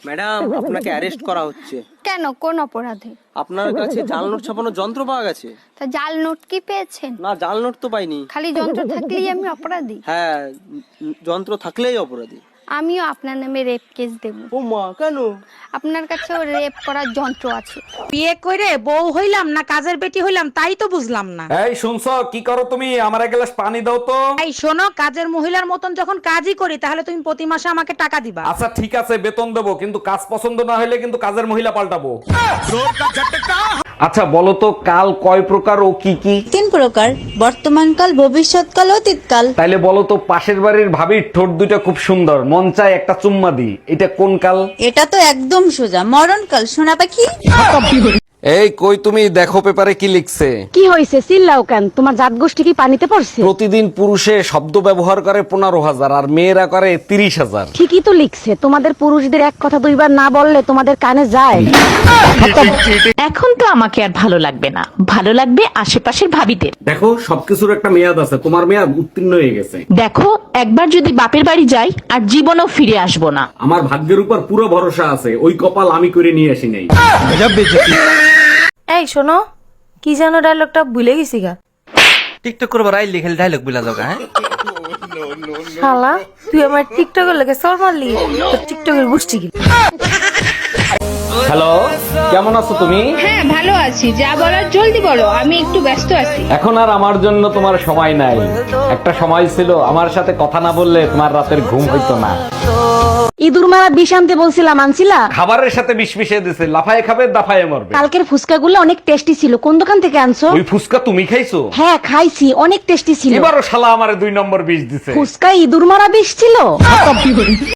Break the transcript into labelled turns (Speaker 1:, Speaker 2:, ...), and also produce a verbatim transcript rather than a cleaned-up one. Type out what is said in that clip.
Speaker 1: Madam, আপনাকে arrest করা হচ্ছে।
Speaker 2: কেন, কোন অপরাধে?
Speaker 1: আপনার কাছে জাল নোট ছাপানোর যন্ত্র পাওয়া গেছে।
Speaker 2: তা জাল নোট কি পেয়েছেন?
Speaker 1: না, জাল নোট তো পাইনি।
Speaker 2: খালি যন্ত্র থাকলেই আমি অপরাধী?
Speaker 1: হ্যাঁ, উম, যন্ত্র থাকলেই অপরাধী।
Speaker 2: আমিও আপনার নামে রেপ কেস দেব।
Speaker 1: ও মা, কেন?
Speaker 2: আপনার কাছেও রেপ করার যন্ত্র আছে।
Speaker 3: বিয়ে করে বউ হইলাম না কাজের বেটি হইলাম তাই তো বুঝলাম না।
Speaker 4: এই শুনছো, কি করো তুমি? আমার এক গ্লাস পানি দাও তো।
Speaker 3: এই শোনো, কাজের মহিলার মতন যখন কাজই করি তাহলে তুমি প্রতি মাসে আমাকে টাকা দিবা।
Speaker 4: আচ্ছা ঠিক আছে, বেতন দেবো, কিন্তু কাজ পছন্দ না হলে কিন্তু কাজের মহিলা পাল্টাবো। আচ্ছা বলো তো, কাল কয় প্রকার ও কি কি?
Speaker 5: তিন প্রকার, বর্তমানকাল, ভবিষ্যৎকাল, অতীতকাল।
Speaker 4: তাইলে বলো তো, পাশের বাড়ির ভাবির ঠোঁট দুটো খুব সুন্দর, মন চায় একটা চুম্মা দি, এটা কোন কাল?
Speaker 5: এটা তো একদম সোজা, মরণকাল, সোনা পাখি।
Speaker 4: এই কই তুমি, দেখো পেপারে কি লিখছে।
Speaker 3: কি হয়েছে, চিল্লাও কেন? তোমার জাত গোষ্ঠী কি পানিতে পড়ছে?
Speaker 4: প্রতিদিন পুরুষে শব্দ ব্যবহার করে পনেরো হাজার আর মেয়েরা করে তিরিশ হাজার।
Speaker 3: ঠিকই তো লিখছে, তোমাদের পুরুষদের এক কথা দুইবার না বললে তোমাদের কানে যায়।
Speaker 6: এখন তো আমাকে আর ভালো লাগবে না, ভালো লাগবে আশেপাশের ভাবিদের।
Speaker 4: দেখো, সবকিছুর একটা মেয়াদ আছে, তোমার মেয়াদ উত্তীর্ণ হয়ে গেছে।
Speaker 6: দেখো, একবার যদি বাপের বাড়ি যাই আর জীবনও ফিরে আসবো না।
Speaker 4: আমার ভাগ্যের উপর পুরো ভরসা আছে, ওই কপাল আমি করে নিয়ে আসি নাই।
Speaker 7: এই শোনো, কি যেন ডায়লগটা ভুলে গেছি গা।
Speaker 1: টিকটক করবার আইলি খালি ডায়লগ বিলা যাওগা। হ্যাঁ,
Speaker 7: শালা তুই আমার টিকটকের লাগে সর মারলি, তোর টিকটকের গোষ্ঠী কি?
Speaker 4: হ্যালো, কেমন আছো তুমি?
Speaker 8: হ্যাঁ ভালো আছি, যা বলার জলদি বলো, আমি একটু ব্যস্ত আছি।
Speaker 4: এখন আর আমার জন্য তোমার সময় নাই। একটা সময় ছিল আমার সাথে কথা না বললে তোমার রাতের ঘুম হইতো না।
Speaker 3: ইঁদুর মারা বিষ আনতে বলছিলাম, আনছিলা?
Speaker 4: খাবারের সাথে বিষ মিশিয়ে দিছে, লাফায়ে খাবে দাফায়ে মরবে।
Speaker 3: কালকের ফুচকাগুলো অনেক টেস্টি ছিল, কোন দোকান থেকে আনছো?
Speaker 4: ওই ফুসকা তুমি খাইছো?
Speaker 3: হ্যাঁ খাইছি, অনেক টেস্টি ছিল।
Speaker 4: এবারও শালা আমারে দুই নম্বর বিষ দিছে।
Speaker 3: ফুচকায় ইঁদুর মারা বিষ ছিল।